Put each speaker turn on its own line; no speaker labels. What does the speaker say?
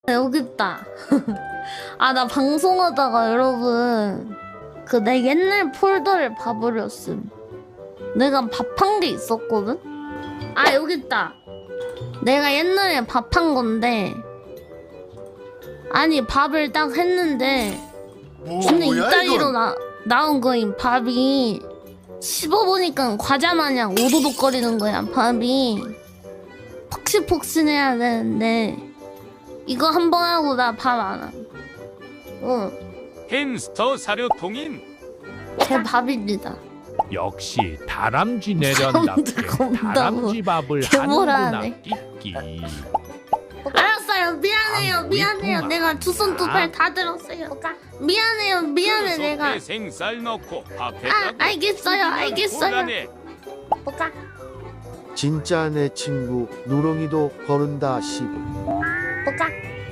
여기 있다. 아, 나 방송하다가 여러분 그 내 옛날 폴더를 봐버렸음. 내가 밥한 게 있었거든? 아, 여기 있다. 내가 옛날에 밥한 건데, 아니 밥을 딱 했는데 근데 이따위로 나온 거임. 밥이 씹어보니까 과자 마냥 오도독거리는 거야. 밥이 폭신폭신해야 되는데 이거 한 번 하고 나 밥 안 함.
햄스터 사료통인
제 밥입니다.
역시 다람쥐 내련답게
겁나
다람쥐 밥을
개보라네.
하는구나 끼끼.
알았어요. 미안해요.
아,
미안해요.
우리
내가 두 손 두 팔 다 들었어요. 미안해요. 미안해 내가.
생쌀 넣고
아,
밥에다가
알겠어요. 알겠어요.
곤란해.
뭐가?
진짜 내 친구 누렁이도 거른다 시부.